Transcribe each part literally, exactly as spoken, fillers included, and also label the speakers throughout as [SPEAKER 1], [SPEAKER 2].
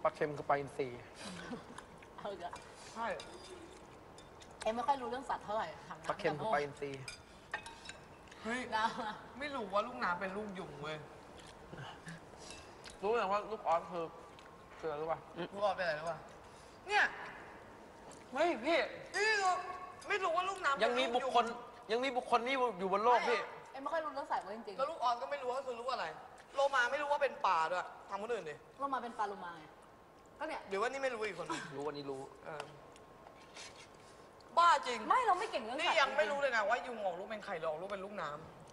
[SPEAKER 1] ปลาเค็มคือปลาอินทรี
[SPEAKER 2] เอาอีกแล้ว
[SPEAKER 3] ใช่
[SPEAKER 2] เอ็มไม่ค่อยรู้เรื่องสัตว์เท่าไหร่ถาม
[SPEAKER 1] ปลาเค็มคือปลาอินทรี
[SPEAKER 3] เฮ้ย
[SPEAKER 2] น้
[SPEAKER 3] ไม่รู้ว่าลูกน้ำเป็นลูกยุงเว้ย
[SPEAKER 1] รู้ไหมว่าลูกออสคือคืออะไรรู้ป่ะ
[SPEAKER 3] ลูกออสเป็นอะไรรู้ป่ะเนี่ย
[SPEAKER 1] ไม่พี่
[SPEAKER 3] นี่เราไม่รู้ว่าลูกน้ำ
[SPEAKER 1] ยังมีบุคคลยังมีบุคคลนี้อยู่บนโลกพี่
[SPEAKER 2] ำเอ็มไม่ค่อยรู้เรื่องสัตว์เลยจริง
[SPEAKER 3] แล้วลูกออสก็ไม่รู้ว่าคือลูกอะไร โลมาไม่รู้ว่าเป็นปลาด้วยทำคนอื่นดิ
[SPEAKER 2] ๆว่ามาเป็นปลาโลมาไงก็เนี่ย
[SPEAKER 3] หรือว่านี่ไม่รู้อีกคนนึง
[SPEAKER 1] รู้วันนี้รู้
[SPEAKER 3] เออบ้าจริง
[SPEAKER 2] ไม่เราไม่เก่งเรื่องสัต
[SPEAKER 3] นี่
[SPEAKER 2] ว์
[SPEAKER 3] ยังไม่รู้เลยนะว่ายุงออกลูกเป็นไข่หรือออกลูกเป็นลูกน้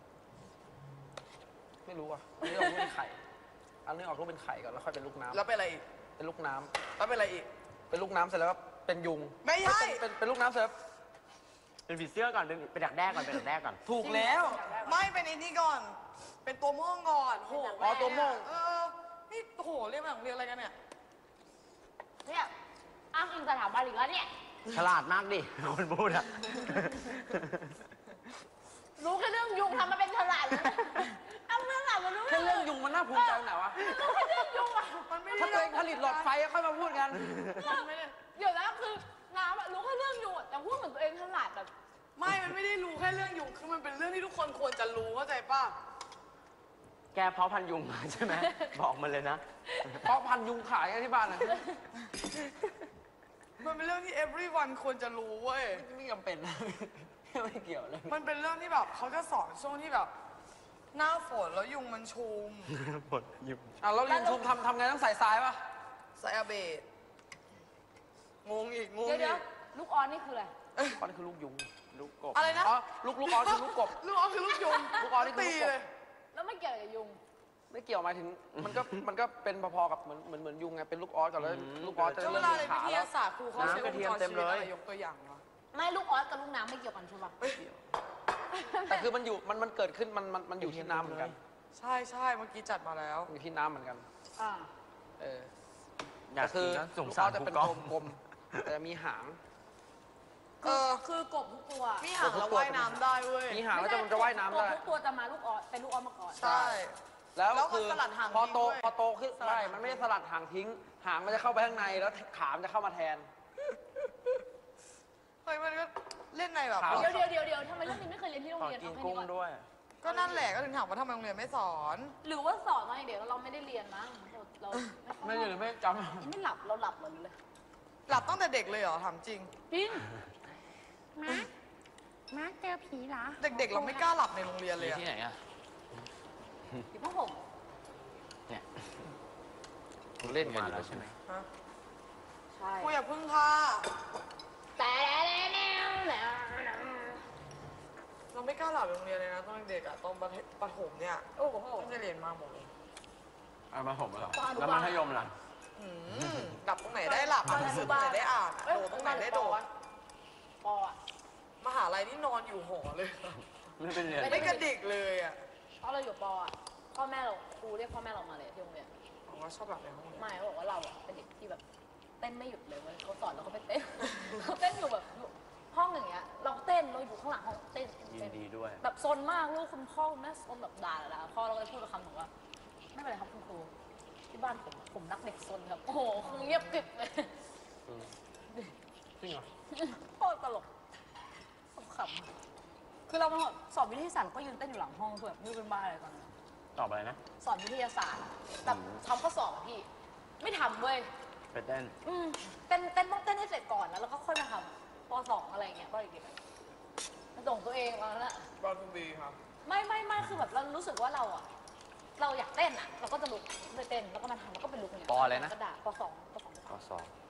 [SPEAKER 1] ไม่รู้อ่ะอันนี้ออกลูกเป็นไข่อันนี้ออกลูกเป็นไข่ก่อนแล้วค่อยเป็นลูก
[SPEAKER 3] ำ
[SPEAKER 1] น้ำ
[SPEAKER 3] แล้วเป็นอะไรอีก
[SPEAKER 1] เป็นลูกน้ำ
[SPEAKER 3] แล้วเป็นอะไรอีก
[SPEAKER 1] เป็นลูกน้ำเสร็จแล้วก็เป็นยุง
[SPEAKER 3] ไม่ใช่
[SPEAKER 1] เป็นเป็นเป็นลูกน้ำเสร็จแล้ว
[SPEAKER 4] เป็นผีเสื้อก่อนเป็นเป็นดักแด้ก่อนเป็นดักแด้ก่อน
[SPEAKER 1] ถูกแล้ว
[SPEAKER 3] ไม่เป็นไอ้นี่ก่อน เป็นตัวม่วงก่อนโห
[SPEAKER 1] อ๋อตัวม่วง
[SPEAKER 3] เออนี่โหเรียกมาของเรียนอะไรกันเนี่ย
[SPEAKER 2] เนี่ยอ้างอิงสถาบันอีกแล้วเนี่ย
[SPEAKER 4] ฉลาดมากดิคนพูดอะ
[SPEAKER 2] รู้แค่เรื่องยุงทำมาเป็นฉลาดเลยทำเรื่องหลักมันรู้
[SPEAKER 1] แค่เรื่องยุงมันน่าภูมิใจตรงไหนวะ
[SPEAKER 2] รู้แค่เรื่องยุงอ่ะ
[SPEAKER 3] มันไม่
[SPEAKER 1] ถ้า
[SPEAKER 3] ได้
[SPEAKER 1] ตัวเองผลิตหลอดไฟก็ค่อยมาพูดกัน
[SPEAKER 3] ไม่ได้
[SPEAKER 2] เดี๋ยวนะคือน้ำอะรู้แค่เรื่องยุงอะแต่พูดเหมือนตัวเองฉลาดแบบ
[SPEAKER 3] ไม่ มันไม่ได้รู้แค่เรื่องยุง คือมันเป็นเรื่องที่ทุกคนควรจะรู้เข้าใจป่ะ
[SPEAKER 4] แกเพาะพันธุ์ยุงมาใช่ไหมบอกมันเลยนะ
[SPEAKER 1] เพราะพันยุงขายกันที่บ้านนะ
[SPEAKER 3] มันเป็นเรื่องที่ everyone ควรจะรู้เว้ย
[SPEAKER 1] ไม่จำเป็นนะไม่เกี่ยวเลย
[SPEAKER 3] มันเป็นเรื่องที่แบบเขาจะสอนช่วงที่แบบ หน้าฝนแล้วยุงมันชุม
[SPEAKER 4] หมดยุง
[SPEAKER 1] อ่ะแล้วยุงชุมทำทำไงต้องใส่ทรายป่ะ
[SPEAKER 3] ไซอาเบตงงอีก งง
[SPEAKER 2] เดี๋ยว
[SPEAKER 3] อี
[SPEAKER 2] เดี๋ยว
[SPEAKER 3] ก
[SPEAKER 2] ลูกออนนี่คืออะไร
[SPEAKER 1] ก้อนนี่คือลูกยุง
[SPEAKER 4] ลูกกบ
[SPEAKER 3] อะไรนะ
[SPEAKER 1] อ๋อลูกลูกออสคือลูกกบ
[SPEAKER 3] ลูกออสคือลูกยุง
[SPEAKER 1] ลูกออสนี่คือ
[SPEAKER 3] ตี
[SPEAKER 1] ลูกกบ
[SPEAKER 3] เลย
[SPEAKER 2] แล้วไม่เกี่ยวกับยุง
[SPEAKER 1] ไม่เกี่ยวหมายถึงมันก็มันก็เป็นพอๆกับเหมือนเหมือนเหมือนยุงไงเป็นลูกออสก่อนแล้วลูกออสจะ
[SPEAKER 3] ช่วงเว
[SPEAKER 1] เริ่ม
[SPEAKER 3] ลา
[SPEAKER 1] มี
[SPEAKER 3] เรียน
[SPEAKER 1] ขา
[SPEAKER 3] วิท
[SPEAKER 1] แล้ว
[SPEAKER 3] ยาศาสตร์ครูเขาใช้วงจรชีวิตอะไรยกตัวอย่างวะ
[SPEAKER 2] ไม่ลูกออสกับลูกน้ำไม่เกี่ยวกันใช่ปะ
[SPEAKER 1] แต่คือมันอยู่มันมันเกิดขึ้นมันมันมันอยู่ที่น้ำเหมือนกัน
[SPEAKER 3] ใช่ใช่เมื่อกี้จัดมาแล้ว
[SPEAKER 1] อยู่ที่น้ำเหมือนกัน
[SPEAKER 2] อ่า
[SPEAKER 1] เออ
[SPEAKER 4] อยาก
[SPEAKER 1] แต่คื
[SPEAKER 4] กิ
[SPEAKER 1] อน
[SPEAKER 4] นะสง
[SPEAKER 1] ลูก
[SPEAKER 4] สา
[SPEAKER 1] ออ
[SPEAKER 4] ร
[SPEAKER 1] สจะ
[SPEAKER 4] ผู้
[SPEAKER 1] เป็น
[SPEAKER 4] กอง
[SPEAKER 1] กลมๆแต่มีหาง
[SPEAKER 3] เออ
[SPEAKER 2] คือกบทุกตัว
[SPEAKER 3] มีหางแล้วว่ายน้ำได้เว้ย
[SPEAKER 1] มีหางแล้วจะมันจะว่ายน้ำได้
[SPEAKER 2] กบทุกตัวจะมาลูกออสเป็นลูกออสมาก่อน
[SPEAKER 3] ใช่
[SPEAKER 1] แล้ว
[SPEAKER 3] แล้วมัน
[SPEAKER 1] คือ
[SPEAKER 3] สลัดหาง
[SPEAKER 1] พอโต
[SPEAKER 3] ทิ้งด้วย
[SPEAKER 1] พอโตขึ้น
[SPEAKER 3] สลัด
[SPEAKER 1] ใช่
[SPEAKER 3] หาง
[SPEAKER 1] มันไม่ได้สลัดหางทิ้ง หางมันจะเข้าไปข้างในแล้วขามันจะเข้ามาแทน
[SPEAKER 3] เฮ้ยมันก็เล่นในแบบ
[SPEAKER 1] ครับ
[SPEAKER 2] เดี๋ยวเดี๋ยวเดี๋ยวเดี๋ยวทำไมเรื่องนี้ไม่เคยเรียนที่โรง
[SPEAKER 4] ขอ
[SPEAKER 2] เรียน
[SPEAKER 4] กิน
[SPEAKER 2] เอาแค่
[SPEAKER 4] กุ้
[SPEAKER 2] นี้
[SPEAKER 4] ง
[SPEAKER 2] ก่อน
[SPEAKER 4] ด้วย
[SPEAKER 3] ก็นั่นแหละก็ถึงถามว่าทำไมโรงเรียนไม่สอน
[SPEAKER 2] หรือว่าสอนตอนเด็กๆเราไม่ได้เรียนมั้งเราเรา
[SPEAKER 1] ไม่หรือไม่จ
[SPEAKER 2] ไม่หลับเราหลับเหรอหรือเลย
[SPEAKER 3] หลับตั้งแต่เด็กเลยเหรอถามจริง
[SPEAKER 2] จริง
[SPEAKER 5] มามาเจอผีเหรอ
[SPEAKER 3] เด็กๆ เราไม่กล้าหลับในโรงเรียนเลยอะ
[SPEAKER 4] ที่ไหนอะ
[SPEAKER 2] อยู่ผ้าห่ม
[SPEAKER 4] เนี่ย
[SPEAKER 1] ำเล่นกัน
[SPEAKER 4] มา
[SPEAKER 1] อยู่
[SPEAKER 4] แล้วใช่ไหม
[SPEAKER 3] ฮะ
[SPEAKER 2] ใช่
[SPEAKER 3] กูอย่าพึ่งค่ะ
[SPEAKER 2] แต่แล้วแล้ว
[SPEAKER 3] เราไม่กล้าหลับในโรงเรียนเลยนะตอนเด็กอะตอนประถมเนี่ย
[SPEAKER 2] โอ้โห
[SPEAKER 3] ไม่ได้เรียนมาหมดเลย
[SPEAKER 4] เอามาผมเหรอ
[SPEAKER 2] ตอนอนุ
[SPEAKER 4] แล้ว
[SPEAKER 2] บาล
[SPEAKER 4] มัธยมล่ะ
[SPEAKER 3] อืมหลับตรงไหนได้หลับอ่านหนังสือตรงไหนได้อ่าน
[SPEAKER 2] เอ้ย
[SPEAKER 3] โดดตรงไหนได้โดด
[SPEAKER 2] ปออะ
[SPEAKER 3] มหาลัยนี่นอนอยู่หอเลย
[SPEAKER 4] ไม่เป็นเรียน
[SPEAKER 3] ไม่กระดิกเลยอะ
[SPEAKER 2] ตอนเราอยู่ปออะพ่อแม่เราครูเรียกพ่อแม่เรามาเลยที่โรงเรียน
[SPEAKER 3] ผมว่าชอบหลับในห้องเรียน
[SPEAKER 2] ไม่เขาบอกว่าเราอะเป็นเด็กที่แบบเต้นไม่หยุดเลยเว้ยเขาสอนเราเขาไปเต้น เขาเต้นอยู่แบบห้องอย่างเงี้ย เราเต้นเราอยู่ข้างหลังห้องเต้น
[SPEAKER 4] ยิ
[SPEAKER 2] เต้
[SPEAKER 4] น
[SPEAKER 2] น
[SPEAKER 4] ดีด้วย
[SPEAKER 2] แบบซนมากลูกคุณพ่อคุณแม่ซนแบบด่าด่าพ่อเราก็เลยพูดกับคำหนึ่งว่าไม่เป็นไรครับคุณครูที่บ้านผมผมรักเด็กซนครับโอ้โหคงเงียบกริบเลย
[SPEAKER 1] จริงเหรอ
[SPEAKER 2] โคตรตลกขำคือเรามาสอบวิทยาศาสตร์ก็ยืนเต้นอยู่หลังห้องคือแบบไม่รู้เป็นบ้าอะไรตอนนั้น
[SPEAKER 4] ตอบอะไรนะ
[SPEAKER 2] สอนวิทยาศาสตร์แบบทำข้อสอบอะพี่ ไม่ทำเว้ย
[SPEAKER 4] ไปเต้น
[SPEAKER 2] อืมเต้นเต้นต้องเต้นให้เสร็จก่อนแล้วแล้วก็ค่อยมาทำปสองอะไรอย่างเงี้ยก็เด็กๆมาส่งตัวเองมาแล้ว
[SPEAKER 3] บอลทูบีครับ
[SPEAKER 2] ไม่ไม่ไม่คือแบบเรารู้สึกว่าเราอะเราอยากเต้นอะเราก็จะลุกไปเต้นแล้วก็มาทำแล้วก็เป็นลุกอย่างเงี้ย
[SPEAKER 1] ปออะไรนะ
[SPEAKER 2] กระดาษปสองปสอง
[SPEAKER 4] ข้อสอบ